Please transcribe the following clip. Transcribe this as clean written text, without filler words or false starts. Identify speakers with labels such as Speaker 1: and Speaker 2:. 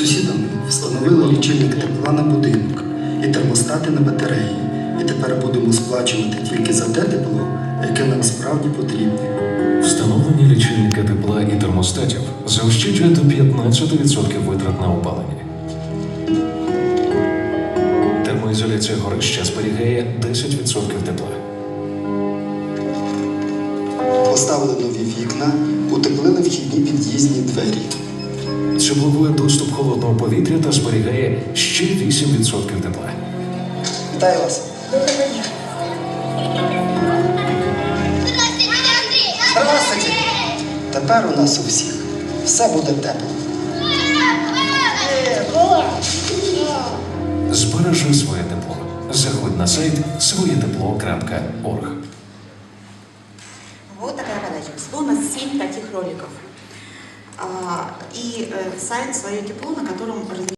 Speaker 1: сусідами встановили лічильник тепла на будинок і термостати на батареї. І тепер будемо сплачувати тільки за те тепло, яке нам справді потрібне.
Speaker 2: Встановлення лічильника тепла і термостатів заощаджує до 15% витрат на опалення. Термоізоляція горища зберігає 10% тепла.
Speaker 1: Поставили нові вікна, утеплили вхідні під'їзні двері.
Speaker 2: Це блокує доступ холодного повітря та зберігає ще 8% тепла.
Speaker 1: Вітаю вас! Здравствуйте! Тепер у нас у всіх все буде тепло.
Speaker 2: Збережи своє тепло. Заходь на сайт своетепло.орг.
Speaker 3: Вот такая подача. Всего у нас 7 таких роликов. И сайт «Свое тепло», на